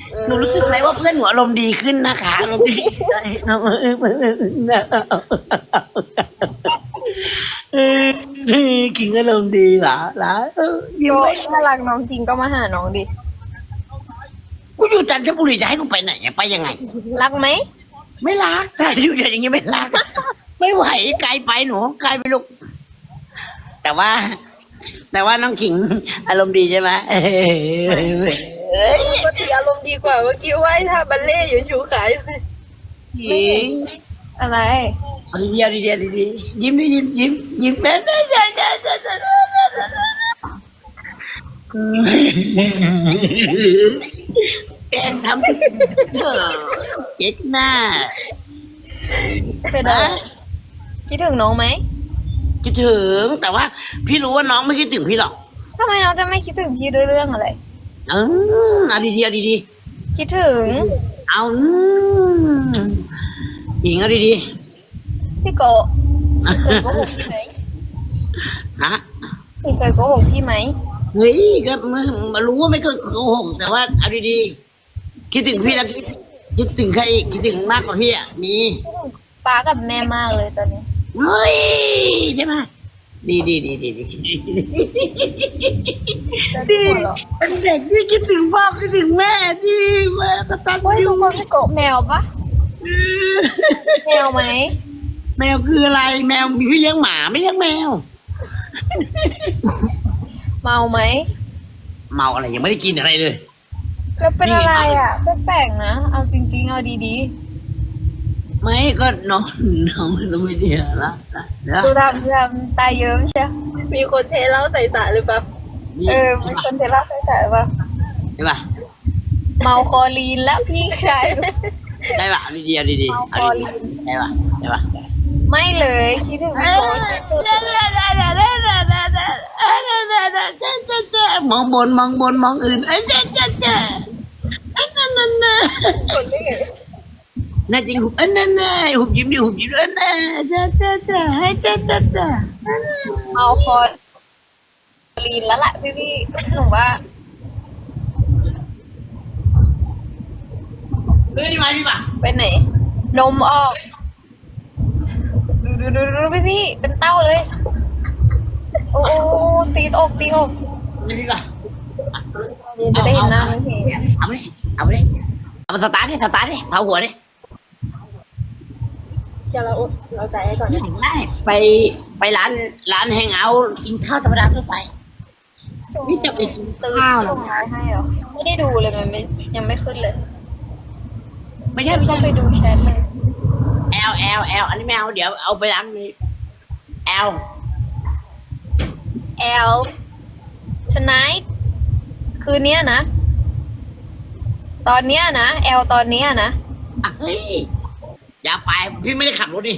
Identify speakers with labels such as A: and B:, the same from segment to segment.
A: หนูรู้สึกไหมว่าเพื่อนหนูอารมณ์ดีขึ้นนะคะอารมณ์ดีใจกินอารมณ์ดีเหรอยิ้ม
B: ก็
A: ไว้
B: ถ้ารักน้องจริงก็มาหาน้องดิ
A: กูอยู่จันทบุรีจะให้กูไปไหนไปยังไง
B: รักไหม
A: ไม่รักถ้าอยู่อย่างนี้ไม่รัก ไม่ไหวไกลไปหนูไกลไปลูกแต่ว่าน้องขิงอารมณ์ดีใช่ไหม
C: ปกติอารมณ์ดีกว่าเมื่อกี้ไหว้ท่าบัลเล่ต์อยู่ชูขาอยู่
A: ขิง
B: อะไร
A: เอาดีๆยิ้มดิยิ้มแม่แกล้งทำเจ๊กหน้า
B: เป็นอะไรคิดถึงน้องไหม
A: คิดถึงแต่ว่าพี่รู้ว่าน้องไม่คิดถึงพี่หรอก
B: ทำไมน้องจะไม่คิดถึงพี่ด้วยเรื่องอะไร
A: เอาดี
B: คิดถึง
A: เอาหญิงเอาดี
B: พี่โกะเคยโกหกพี่ไหม
A: ๆฮะ
B: พี่เคยโกหกพี่ไหม
A: เฮ้ยก็มารู้ว่าไม่เคยโกหกแต่ว่าเอาดีๆคิดถึงพี่แล้วคิดถึงใครอีกคิดถึงมากกว่าพี่อ่ะมี
B: ป้ากับแม่มากเลยตอนนี้
A: เฮ้ยใช่ไหมดี
B: แล้วทุกคนเหรอ
A: เป็นเด็กที่คิดถึงพ่อคิดถึงแม่ที่แม่ก็ตัด
B: เฮ้ยทุกคนพี่โกะแมวปะแมวไหม
A: แมวคืออะไรแมวมีพี่เลี้ยงหมาไม่เลี้ยงแมว
B: เมาไหม
A: เมาอะไรยังไม่ได้กินอะไรเลย
B: แล้วเป็นอะไรอ่ะแปลกๆนะเอาจริงๆเอาดี
A: ไม่ก็น้องไม่ดีละ
B: ๆดูทำตาเยิ้มใช่
C: มีคนเทเหล้าใส่สระหรือเปล่า
B: เป็นคนเทล่าใส่ๆป่ะ
A: ใช่ป่ะ
B: เมาคอลีนแล้วพี่ชาย
A: ได้ป่ะดีๆดี
B: เมา
A: ๆ
B: คอลีน
A: ได้ป่ะได้ป่ะ
B: ไม่เลยคิดถึงพี่โกะที่สุด
A: มองบนมองอื่น
C: คนไม่เห็น
A: น่าจริงหุบนั่นหุบยิ้มดิหุบยิ้มให้จ้า
B: เมาคอลีนแล้วแหละพี่หนูว่า
A: ซื้อดีไหมพี่ป่ะ
B: ไปไหน นมออกดูพี่เป็นเต้าเลย โอ้ตีอก
A: พี่ป่ะ
B: นี่จะได้เห็นหน้าไหมพี่
A: เอาไปดิเอามาสตาร์ทดิเผาหัวดิ
C: เดี๋ยวเราจ่ายให้ก่อนนะ
A: ได้ไปร้านแฮงเอาท์กินข้าวธรรมดาทั่วไป นี่จะไปกิน
B: ตื่น
A: ข้าวเหรอ
B: ส่งไลน์ให้เหรอไม่ได้ดูเลยมันไม่ยังไม่ขึ้นเลย
A: ไม่ใช่
B: เข้าไปดูแชทเลย
A: L อันนี้ไม่เอาเดี๋ยวเอาไปร้านนี้ L
B: L tonight คืนเนี้ยนะ ตอนเนี้ยนะ L ตอนเนี้ยนะ
A: เฮ้ยอย่าไปพี่ไม่ได้ขับรถดิ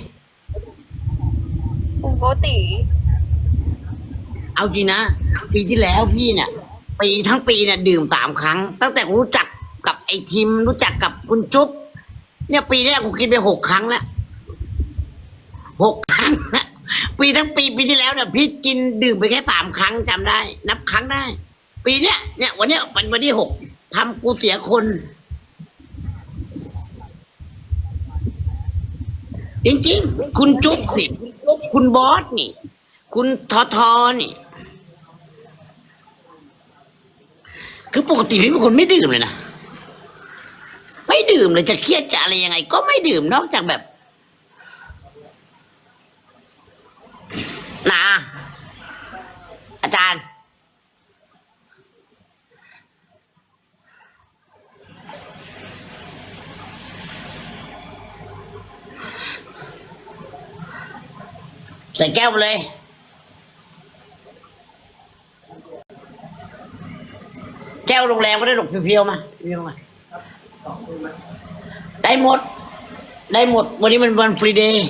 B: ปกติ
A: เอาจริงนะปีที่แล้วพี่เนี่ยทั้งปีเนี่ยดื่ม3 ครั้ง ตั้งแต่รู้จักกับไอ้ทิมรู้จักกับคุณจุ๊บเนี่ยปีนี้กูกินไป6 ครั้งแล้ว6 ครั้งนะทั้งปีที่แล้วเนี่ยพี่กินดื่มไปแค่3 ครั้งจำได้ นับครั้งได้ ปีเนี้ยเนี่ยวันเนี้ยเป็นวันที่6ทำกูเสียคน จริงๆคุณจุ๊บนี่คุณบอสนี่ คุณทอนี่ คือปกติพี่เป็นคนไม่ดื่มเลยนะไม่ดื่มเลยจะเครียดจะอะไรยังไง ก็ไม่ดื่มนอกจากแบบนะอาจารย์ใส่แก้วไปเลยแก้วโรงแรมก็ได้หรอกเพียวๆมาได้หมด วันนี้มันวันฟรีเดย์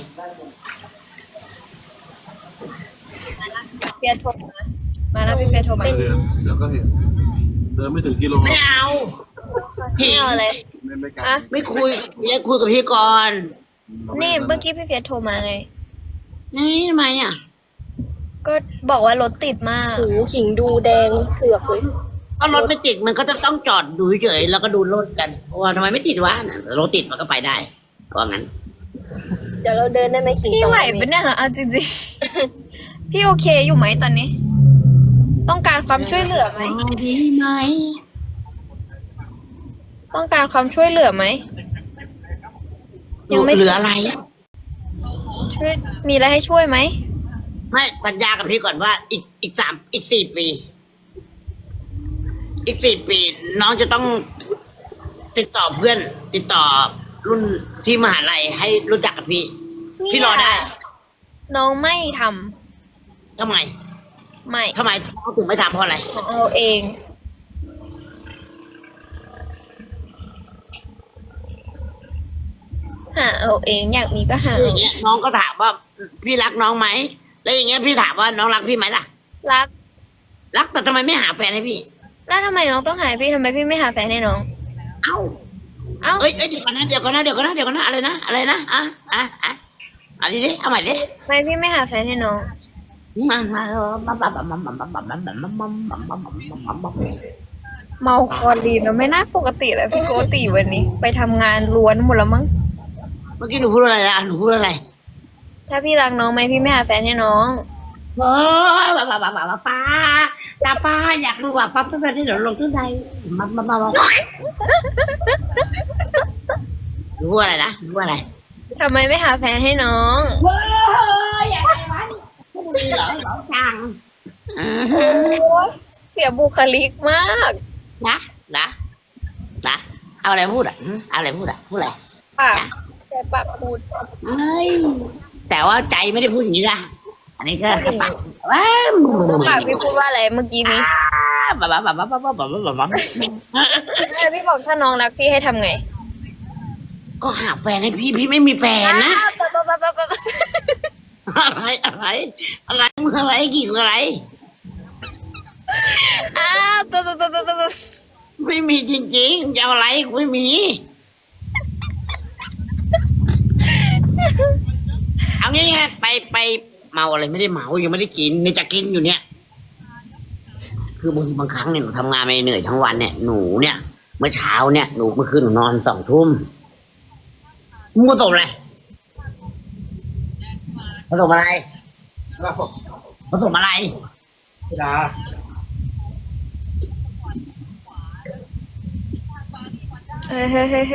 B: เฟียโทรมานะพี่เฟียโทรมา
D: เดี๋ยวก็เห็นเดินไม่ถึงกิโล
A: ไม่เอา
B: ไม่เอาอะไร
D: ไม่ไกล
B: อะ
A: ไม่คุยอยากคุยกับพี่ก่อน
B: นี่เมื่อกี้พี่เฟียโทรมาไง
A: นี่ทำไมอ่ะ
B: ก็บอกว่ารถติดมาก
C: หูขิงดูแดงเถือกเลย
A: ถ้ารถไม่ติดมันก็จะต้องจอดดูเฉยๆแล้วก็ดูรถกันเพราะว่าทำไมไม่ติดวะน่ะรถติดมันก็ไปได้เพราะงั้น
C: เดี๋ยวเราเดินได้ไหมขี่
B: พี่
C: สอง
B: ไหว
C: เม
B: ปะ
C: ตร
B: เนี่ยเอาจริงๆ พี่โอเคอยู่ไหมตอนนี้ ต้องการความช่วยเหลือไหม
A: ดีไหม
B: ต้องการความช่วยเหลือไหม ยังไม่
A: เหลืออะไร
B: ช่วยมีอะไรให้ช่วยไหม
A: ไม่สัญญากับพี่ก่อนว่าอีก 4 ปี อีก 4 ปี น้องจะต้องติดต่อเพื่อน ติดต่อรุ่นที่มหาลัยให้รู้จักกับพี่ พี่รอได้
B: น้องไม่ท
A: ทำไม
B: ำไม่
A: ทำไมน้องถึงไม่ทำเพราะอะไร
B: ของเราเอง หาเอาเองอยากมีก็หา
A: อย่างเงี้ยน้องก็ถามว่าพี่รักน้องไหมแล้วอย่างเงี้ยพี่ถามว่าน้องรักพี่ไหมล่ะ
B: รัก
A: รักแต่ทำไมไม่หาแฟนให้พี่
B: แล้วทำไมน้องต้องหาพี่ทำไมพี่ไม่หาแฟนให้น้อง
A: เอ้า
B: เอ้า
A: เอ้ยเดี๋ยวก่อนนะเดี๋ยวก่อนนะอะไรนะอันนี้ดิเอาใหม่ดิ
B: ทำไมพี่ไม่หาแฟนให้น้อง เมาคอลีนเราไม่น่าปกติเลยพี่โกติวันนี้ ไปทำงานล้วนหมดแล้วมั้ง
A: เมื่อกี้หนูพูดอะไรนะหนูพูดอะไร
B: ถ้าพี่รักน้องไหมพี่ไม่หาแฟนให้น้อง
A: เออป้าจ้าป้าอยากรู้ว่าป้าเป็นแบบนี้เดี๋ยวลงที่ใดมาหนูพูดอะไรนะหนูพูดอะไร
B: ทำไมไม่หาแฟนให้น้อง
A: เฮ้ยอยากได้มันไม่เหรอจัง
B: เสียบุคลิกมาก
A: นะเอาอะไรพูดอ่ะเอาอะไรพูดอ่ะพูดอะไร
B: ปากแต่ปากพูด
A: เอ้ยแต่ว่าใจไม่ได้พูดอย่างนี้นะอันนี้ก็ปากว้าว
B: ปากพี่พูดว่าอะไรเมื่อกี้นี้
A: แบบ
B: พี่บอกถ้าน้องรักพี่ให้ทำไง
A: ก็หาแฟนให้พี่ไม่มีแฟนนะ อะไรมึงอะไรกี่อะไร ไม่มีจริงๆจะเอาอะไรกูไม่มี เอางี้ไงไปเมาอะไรไม่ได้เมายังไม่ได้กินในจะกินอยู่เนี่ย คืบางครั้งเนี่ยหนูทำงานไม่เหนื่อยทั้งวันเนี่ยหนูเนี่ย เมื่อเช้าเนี่ยหนูเมื่อคืนหนูนอน2 ทุ่มมึงผสมอะไรผสมอะไรผสมอะไร
D: ดา
B: เฮ้ย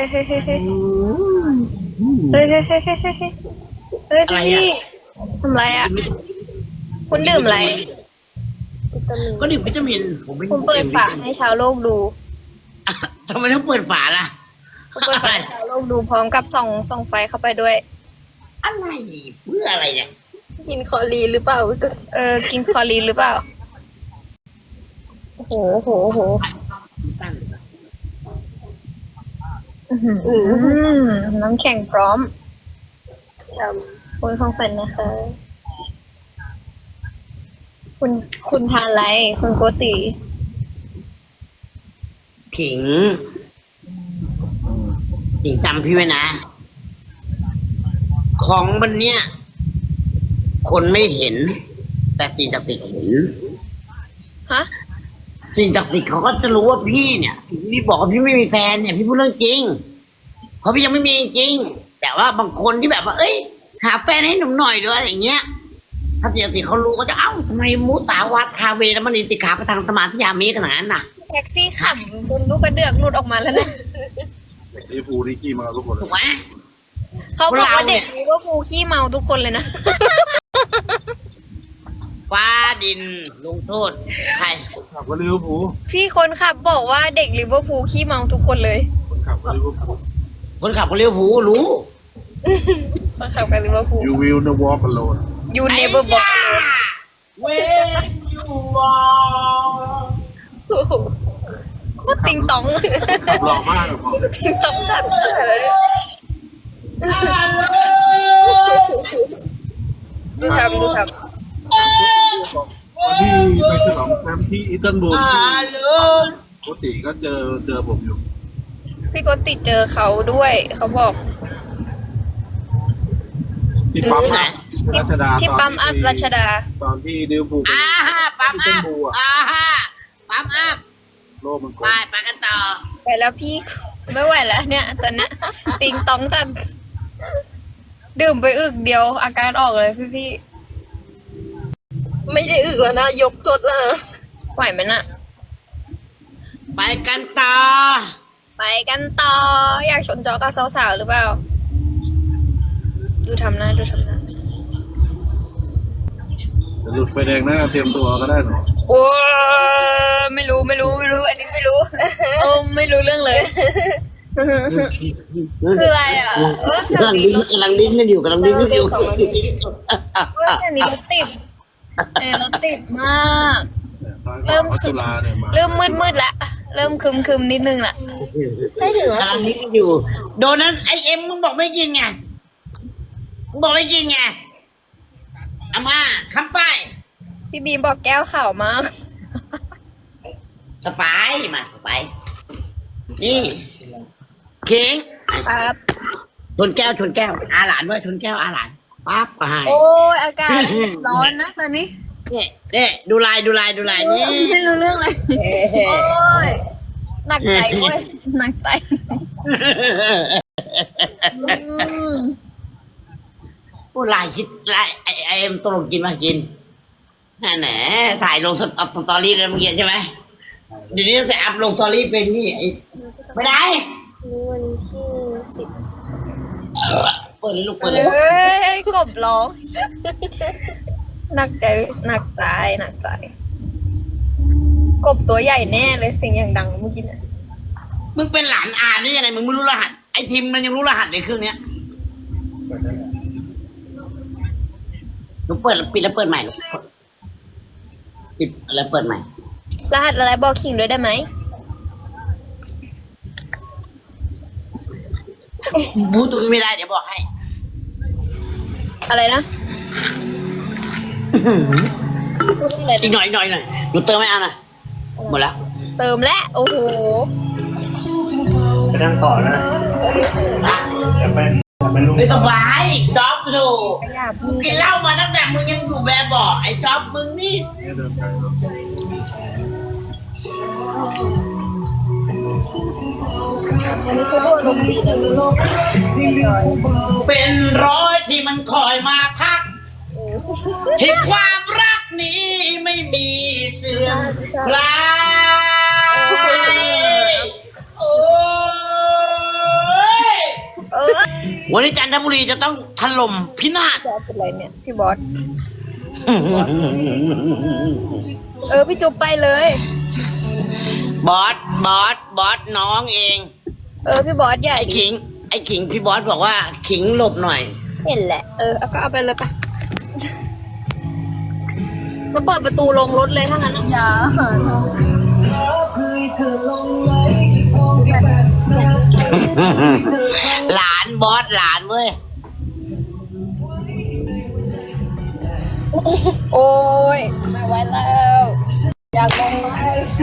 B: พี่ทำไรอ่ะ คุณดื่มอะไร
A: ก็ดื่มวิตามินผมไม่
B: คุณเปิดฝาให้ชาวโลกดู
A: ทำไมต้องเปิดฝาล่ะ
B: คุณเปิดฝาให้ชาวโลกดูพร้อมกับส่องไฟเข้าไปด้วย
A: อะไรเพื่ออะไรเนี่ย
C: กินคอลีนหรือเปล่าพี่ก็
B: กินคอลีนหรือเปล่า โอ้โหน้ำแข็งพร้อม
C: ช้
B: คุณของฝันนะคะ คุณทานอะไร คุณโกติ
A: ขิงจำพี่ไว้นะ ของวันเนี้ยคนไม่เห็น แต่สิ่งศักดิ์สิทธิ์เห็น
B: ฮะ
A: สิ่งศักดิ์สิทธิ์เขาก็จะรู้ว่าพี่เนี่ยพี่บอกว่าพี่ไม่มีแฟนเนี่ยพี่พูดเรื่องจริงเพราะพี่ยังไม่มีจริงแต่ว่าบางคนที่แบบว่าเอ้ยหาแฟนให้หนุ่มหน่อยด้วยอะไรอย่างเงี้ยถ้าสิ่งศักดิ์สิทธิ์เขารู้ก็จะเอ้าทำไมมุสาวัดคาเวแล้วมันนิติขาประทางสมาธิยามีขนาดนั้นน่ะ
B: แท็กซี่ขำจนลูกกระเดือกหลุดออกมาแล้วนะ
D: ลิฟูลนี่ขี้มาทุกคนเล
A: ถู
D: ย
A: กไหม
B: เขาบอกว่า
A: เราเนี่
B: เด็
A: ย
B: กลิเวอร์พูลขี้เมาทุกคนเลยนะ
A: ฟ้าดินลงโทษใคร
D: ขับก็ลิเวอร์พูล
B: พี่คนขับบอกว่าเด็กลิเวอร์พูลขี้เมาทุกคนเลย
D: คนขับก็ลิเวอร์พูล
A: คนขับคนเลี้ยวผูลรู้
B: คนขับกับลิเวอร์พูล
D: You will not walk alone
B: You never walk
A: เว้ยยูวอ
B: โอ้โหโคตรติงตอง
D: ขับหล่อมากเลยบอก
B: ติงตองจัดเลยดูทำ
D: วันที่ไปฉลองแชมป์ที่อิสตันบูล
A: ลูน
D: ปกติก็เจอผมอยู่
B: พี่โกติเจอเขาด้วย เขาบอก
D: ที่ปั๊มอัพรัชดา
B: ที่ปั๊มอัพรัชดา
D: ตอนที่ลิเวอร์พูลไป
A: ปั๊ม
D: อิสตั
A: อั
D: น
A: พ
D: บูลอ่ะ
A: ปั๊มอัพ
D: รลกมันกล
A: ไป
D: ม
A: ไปกันต่อ
B: ไปแล้วพี่ไม่ไหวแล้วเนี่ยตอนเนี้ยติงตองจัดดื่มไปอึกเดียวอาการออกเลยพี่
C: ไม่ได้อึกแล้วนะ ยกสดแล้วนะ
B: ไหวไหมน่ะ
A: ไปกันต่อ
B: ไปกันต่อ อยากชนจอกับสาวๆหรือเปล่า ดูทำหน้าดูทำหน้า
D: จะหลุดไฟแดงหน้าเตรียมตัวก็ได้หรอ
B: โอ้ไม่รู้อันนี้ไม่รู้โอ้ไม่รู้เรื่องเลย คืออะไรอ่ะแถ
A: กำ
B: ว
A: ลัง
B: นี้
A: ดิ้นกำลังดิ้นกันอยู่กำลังดิ้นกันอยู่
B: แถวนี้รถติดรถติดมาก เริ่ม
D: จุฬาเนี่ยมา
B: เริ่มมืดละเริ่มคึมนิดนึงละไม่ถึง
A: กำลังดิ้นกันอยู่ โดนนั้นไอเอ็มมึงบอกไม่กินไงมึงบอกไม่กินไงเอามาคำไป
B: พี่บีมบอกแก้วข่าวมาก
A: สไปร์มาสไปร์นี่เค้ง
B: ครับ
A: ชนแก้วชนแก้วอาหลานด้วยชนแก้วอาหลานปั๊บไป
B: โอ้ยอากาศร้อนนะตอนนี้
A: เนี่ยดูลายนี่
B: ไม่รู้เรื่องเลยโอ้ยหนักใจเว้ยหนักใจอืม
A: ผู้ลายคิดลายไอเอ็มตกลงกินมากินแหนถ่ายลงสตอรี่เลยเมื่อกี้ใช่ไหมเดี๋ยวนี้จะอัพลงสตอรี่เป็นนี่ไอ้ไม่ได้
C: วันที่10
A: เปิดเลยลูกเปิดเลย
B: เฮ้ยกบร้องหนักใจกบตัวใหญ่แน่เลยเสียงอย่างดังเมื่อกี้เนี่ย
A: มึงเป็นหลานอาได้ยังไงมึงไม่รู้รหัสไอ้ทีมมันยังรู้รหัสในเครื่องเนี้ยลูกเปิดแล้วปิดแล้วเปิดใหม่ลูกปิดแล้วเปิดใหม่
B: รหัสอะไรบอกขิงด้วยได้ไหม
A: บูตรงนี้ไม่ได้เดี๋ยวบอกให้
B: อะไรนะอะไร
A: อีกหน่อยหนูเติมไม่เอาหน่อยหมดแล้ว
B: เติมแล้วโอ้โห
E: จะนั่งต่อนะ
A: นะ
E: อย่าไปลุก
A: ไม่สบายจ๊อบดู
B: อย่า
A: กู
B: พูด
A: กินเหล้ามาตั้งแต่มึงยังอยู่แบบบอกไอ้จ๊อบมึงนี่
D: เนี่ยเดินไปเนาะ
B: อันนี้เขาพูดลมณ์ดีนะลูก
A: เป็นร้อยที่มันคอยมาทักให้ความรักนี้ไม่มีเสื่อมคลายโอ้ย
B: เออ
A: วันนี้จันทบุรีจะต้องถล่มพินาศ
B: บอสเป็นไรเนี่ยพี่บอสพี่จุ๊บไปเลย
A: บอสน้องเอง
B: พี่บอสใหญ่
A: ไอ้ขิงพี่บอสบอกว่าขิงหลบหน่อย
B: เห็นแหละเอาก็เอาไปเลยไปมาเปิดประตูลงรถเลยถ้างั้นอย่า
A: หลานบอสหลานเว้ย
B: โอ้ยไม่ไหวแล้ว อยากลงมา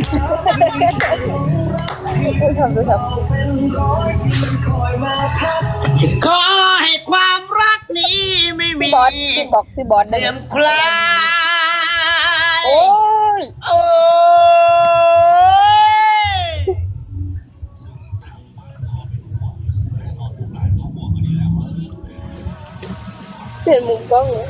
A: ขอให้ความรักนี้ไม่มี
B: พี่บอสได้
A: เสื่อมคลาย
B: โอ้ย
A: โอ้ย
C: เปลี่ยนมุมกล้องเลย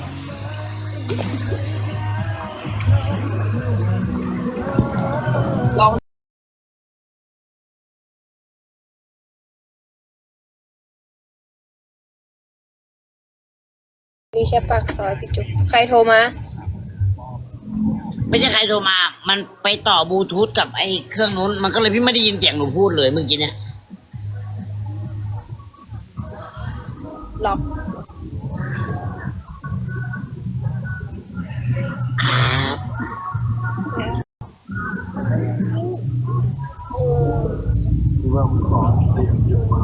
B: นี่แค่ปากซอยพี่จุ๊บใครโทรมา
A: ไม่ใช่ใครโทรมา มันไปต่อบลูทูธกับไอ้เครื่องนู้น มันก็เลยพี่ไม่ได้ยินเสียงหนูพูดเลยเมื่อกี้เนี่ย
B: ล็อก
A: ครับ
D: คือว่าคุณขอเตรียมหยุดมา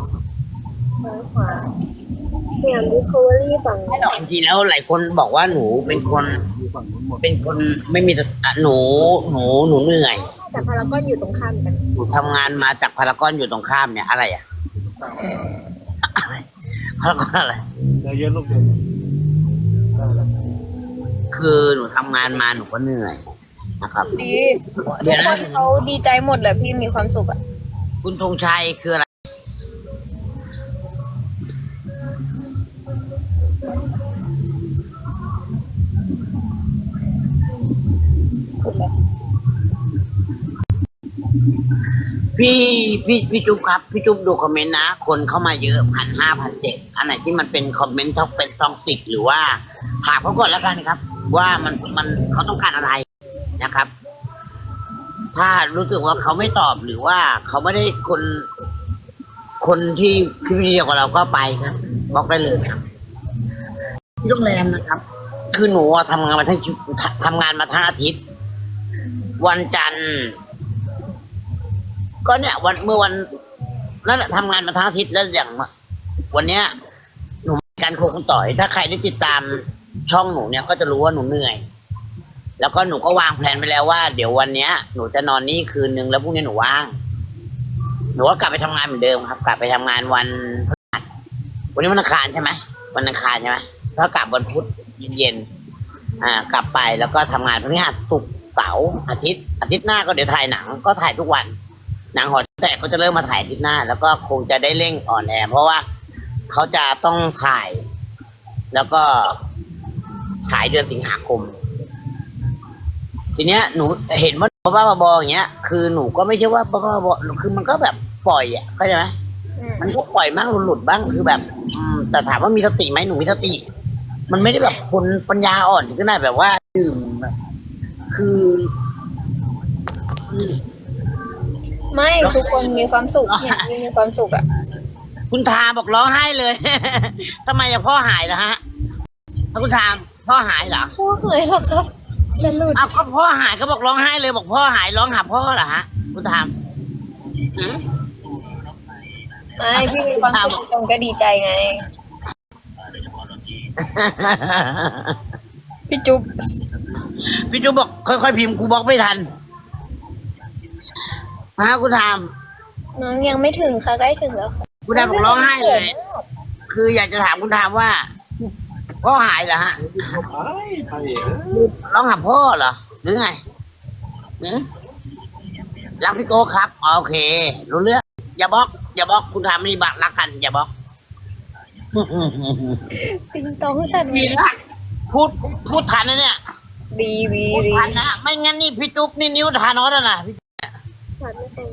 C: เนี่ยดิคอเวอรี่ฝั่ง
A: ไม่หรอกจริงๆแล้วหลายคนบอกว่าหนูเป็นคน
D: อยู่ฝั่งนู้นหมด
A: เป็นคนไม่มีสติหนูเหนื่อย
C: แต่พารากอนอยู่ตรงข้ามกัน
A: หนูทำงานมาจากพารากอนอยู่ตรงข้ามเนี่ยอะไรอ่ะอะไรพารากอนอะไร
D: ใจเย็นลูกเย็นได้แล้ว
A: คือหนูทำงานมาหนูก็เหนื่อยนะครับ
B: ดีทุกคนเขาดีใจหมดแหละพี่มีความสุขอ่ะ
A: คุณธงชัยคืออะไร
B: สุดเลย
A: พี่จุ๊บครับพี่จุ๊บดูคอมเมนต์นะคนเข้ามาเยอะ1,500 1,700อันไหนที่มันเป็นคอมเมนต์ท็อกเป็นซองติกหรือว่าถามเขาก่อนแล้วกันครับ ว่ามันเขาต้องการอะไรนะครับ ถ้ารู้สึกว่าเขาไม่ตอบหรือว่าเขาไม่ได้คนที่คิดวิดีโอกับเราก็ไปครับบล็อกได้เลยครับที่โรงแรมนะครับ คือหนูอะทำงานมาทั้งอาทิตย์ วันจันทร์ ก็เนี่ยเมื่อวันนั่นแหละทำงานมาทั้งอาทิตย์แล้วอย่างวันเนี้ย หนูมีการโคกันต่อย ถ้าใครได้ติดตามช่องหนูเนี่ยก็จะรู้ว่าหนูเหนื่อย แล้วก็หนูก็วางแผนไปแล้วว่าเดี๋ยววันเนี้ยหนูจะนอนนี่คืนนึงแล้วพรุ่งนี้หนูว่าง หนูก็กลับไปทำงานเหมือนเดิมครับ กลับไปทำงานวันพฤหัสวันนี้วันอังคารใช่ไหมวันอังคารใช่ไหมถ้ากลับวันพุธเย็นกลับไปแล้วก็ทำงานพฤหัสศุกร์เสาร์อาทิตย์หน้าก็เดี๋ยวถ่ายหนังก็ถ่ายทุกวัน หนังหอแตกก็จะเริ่มมาถ่ายอาทิตย์หน้า แล้วก็คงจะได้เร่งออนแอร์เพราะว่าเขาจะต้องถ่าย แล้วก็ฉายเดือนสิงหาคม ทีเนี้ยหนูเห็นว่าบ้าๆบอๆอย่างเงี้ยคือหนูก็ไม่ใช่ว่าบ้าๆบอๆคือมันก็แบบปล่อยอ่ะเข้าใจไหมมันก็ปล่อยบ้างหลุดบ้างคือแบบแต่ถามว่ามีสติไหมหนูมีสติ มันไม่ได้แบบคนปัญญาอ่อนถึงขนาดแบบว่าดื่มคือ
B: ไม่ทุกคนมีความสุขเนี่ยพี่มีความสุขอ่ะ
A: คุณทาบอกร้องไห้เลย ทำไมอะพ่อหายเหรอฮะถ้าคุณทามพ่อหายเหรอ
B: พ่อเหนื่อยหรอครับจะหลุด
A: อ้าวก็พ่อหายเขาบอกร้องไห้เลยบอกพ่อหายร้องหาพ่อเหรอฮะคุณทามหือ
B: ไม่พี่มีความสุขจงก็ดีใจไง พี่จุ๊บ
A: พี่จูบอกค่อยๆพิมพ์กูบล็อกไม่ทันฮะคุณทาม
B: น้องยังไม่ถึงค่ะใกล้ถึงแล้วค่ะ
A: คุณทามบอกร้องไห้เลย คืออยากจะถามคุณทามว่า พ่อหายเหรอฮะ
D: ไป
A: ร้องหาพ่อเหรอหรือไงหือรักพี่โก้ครับโอเค รู้เรื่องอย่าบล็อกคุณทามไม่บักรักกัน อย่าบล็อก
B: ติงตองสัตว์
A: ดีนะพูดทันนะเนี่ย
B: ดี
A: พูดทันนะไม่งั้นนี่พี่จุ๊บนี่นิ้วทานอสแล้วนะพี่
B: สัตว์ไม่เป็น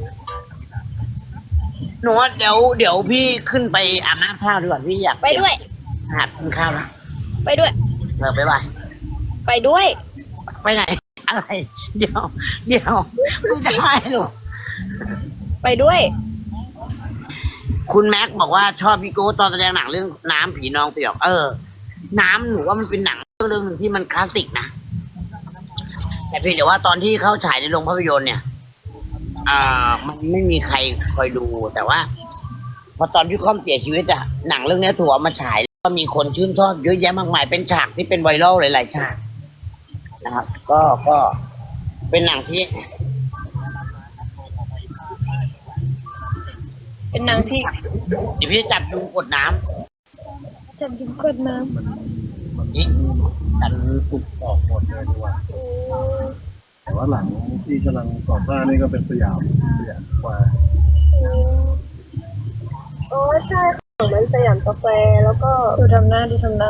A: หนูว่าเดี๋ยวพี่ขึ้นไปอาบน้ำข้าวดีกว่าพี่อยาก
B: ไปด้วย
A: หัดกินข้าวแล้ว
B: ไปด้วย
A: ไปไป
B: ไปด้วย
A: ไปไหน อะไร เดี๋ยวไม่ได้ลูก
B: ไปด้วย
A: คุณแม็กบอกว่าชอบพี่โก้ตอนแสดงหนังเรื่องน้ำผีนองเปียกน้ำหนูว่ามันเป็นหนังเรื่องหนึ่งที่มันคลาสสิกนะแต่เพียงแต่ว่าตอนที่เข้าฉายในโรงภาพยนตร์เนี่ยมันไม่มีใครคอยดูแต่ว่าพอตอนพี่ค่อมเสียชีวิตอะหนังเรื่องนี้ถูกเอามาฉายก็มีคนชื่นชอบเยอะแยะมากมายเป็นฉากที่เป็นไวรัลหลายๆฉากนะครับ ก็เป็นหนังที่
B: เป็นนางที่
A: เดี๋ยวพี่จะจับยุงกดน้ำ
B: จับยุงกดน้
A: นี่กันตุก
D: ออกหมดเลยดีกว่าแต่ว่าหลังที่กำลังก่อสร้างนี่ก็เป็นสยามกว่า
C: อ๋อใช่ค่ะมันสยามกาแฟแล้วก็
B: ำดูทำหน้านี้มัน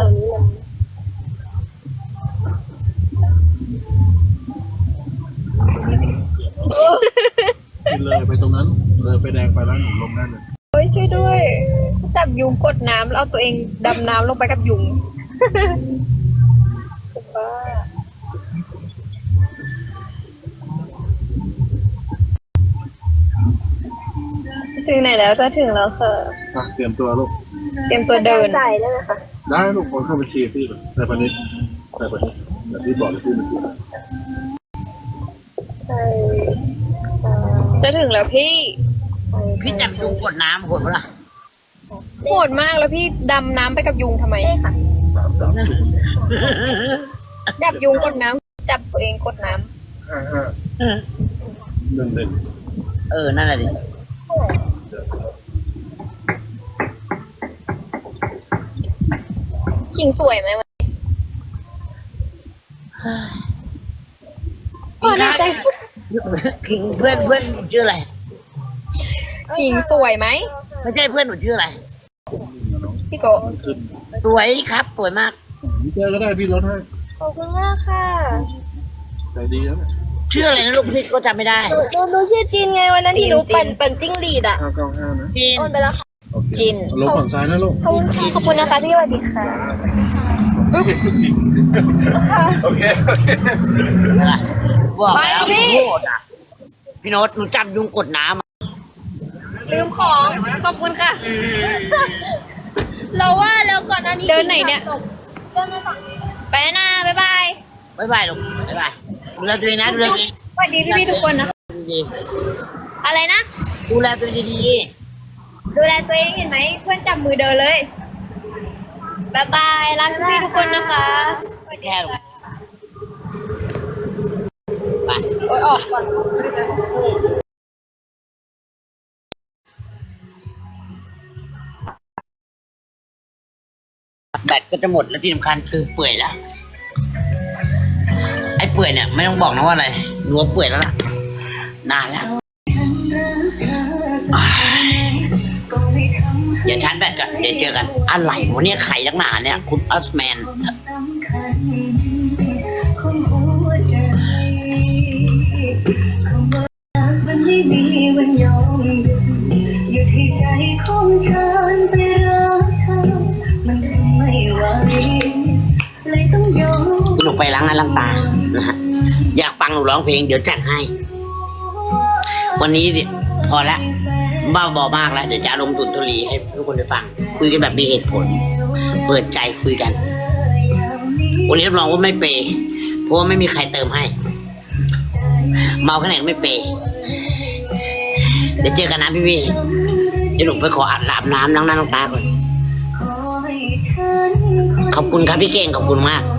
D: เลยไปตรงนั้นเลยไปแดงไปแล้วหนูลงได้เลย
B: เฮ้ยช่วยด้วย จับยุงกดน้ำแล้วเอาตัวเองดำน้ำลงไปกับยุงบ้าถึงไหนแล้วจะถึงแล้วค่ะ
D: เตรียมตัวลูก
B: เตรียมตัวเดิน
C: จ่ายได้ไหมคะ
D: ได้ลูกคนเข้าบัญชีพี่เลยแต่ปนี้แบบที่บอกเลยพี่มันคือ
C: ใช่
B: จะถึงแล้วพี่
A: พี่จับยุงกดน้ำโหดปะล่ะ
B: โหดมากแล้วพี่ดำน้ำไปกับยุงทำไม
D: 330
B: จับยุงกดน้ำจับตัวเองกดน้
D: 1
A: นั่นแหละดิ
B: ำขิงสวยไหมวะ
A: พี่
B: ความในใจ
A: ขิงเพื่อนหนูชื่ออะไร
B: ขิงสวยไหม
A: ไม่ใช่เพื่อนหนูชื่ออะไร
B: พี่โกะ
D: ขึ้น
A: สวยครับสวยมาก
D: เจอก็ได้พี่ลดให้
C: ขอบคุณมากค่ะ
D: ใจดีแล้วเนี่ย
A: ชื่ออะไรนะลูกพี่ก็จำไม่ได้
C: หนูชื่อจินไงวันนั้นที่หนูปั่นจิ้งหรีดอ่ะ
D: 595นะ
A: จีน
C: โอนไปแล้วค่ะ
D: โอเค
B: จิน
D: ลงฝั่งซ้ายนะลูก
C: ขอบคุณค่ะขอบคุณนะคะพี่สวัสดีค่ะ
D: โอเค
A: บอกแล้ว
B: ไปสิ
A: โทษอ่ะพี่โน้ตหนูจับยุงกดน้ำอะ
B: ลืมของขอบคุณค่ะ
C: เราว่าแล้วก่อนอันนี้
B: เดินไหนเนี่ย
C: เดินมาฝั่งนี้
B: ไปนะบ๊ายบาย
A: บ๊ายบายลูกบ๊ายบายดูแลตัวเองนะดูแลตัวเอง
B: สวัสดีพี่ๆทุกคนนะ
A: ดี
B: อะไรนะ
A: ๆดูแลตัวเองดี
B: ดูแลตัวเองเห็นไหมเพื่อนจับมือเดินเลยบ๊ายบายรักพี่ๆทุกคนนะคะ
A: ๆแค่ลูกไป
B: โอ้ยออกก่อน
A: แบตก็จะหมดแล้วที่สำคัญคือเปื่อยแล้วไอ้เปื่อยเนี่ยไม่ต้องบอกนะว่าอะไรรัวเปื่อยแล้วล่ะนานแล้วอย่าชาร์จแบตก่อนเดี๋ยวเจอกันอะไรวะเนี่ยไข่นักหนาเนี่ยคุณอัสแมน
F: มันไม่มีวันยอมหยุดให้ใจของฉันไปรักเธอมันทำไม่ไหวเลยต้องยอม
A: หนูไปล้างหน้าล้างตานะฮะอยากฟังหนูร้องเพลงเดี๋ยวจัดให้ วันนี้เนี่ยพอละบ้าบอมากแล้วเดี๋ยวจะอารมณ์ตุนทุลีให้ทุกคนได้ฟัง คุยกันแบบมีเหตุผล เปิดใจคุยกัน วันนี้รับรองว่าไม่เปย์เพราะว่าไม่มีใครเติมให้ เมาแค่ไหนก็ไม่เปย์เดี๋ยวเจอกันนะพี่เดี๋ยวหนูไปขออาบน้ำล้างหน้าล้างตาก่อน ขอบคุณครับพี่เก่งขอบคุณมาก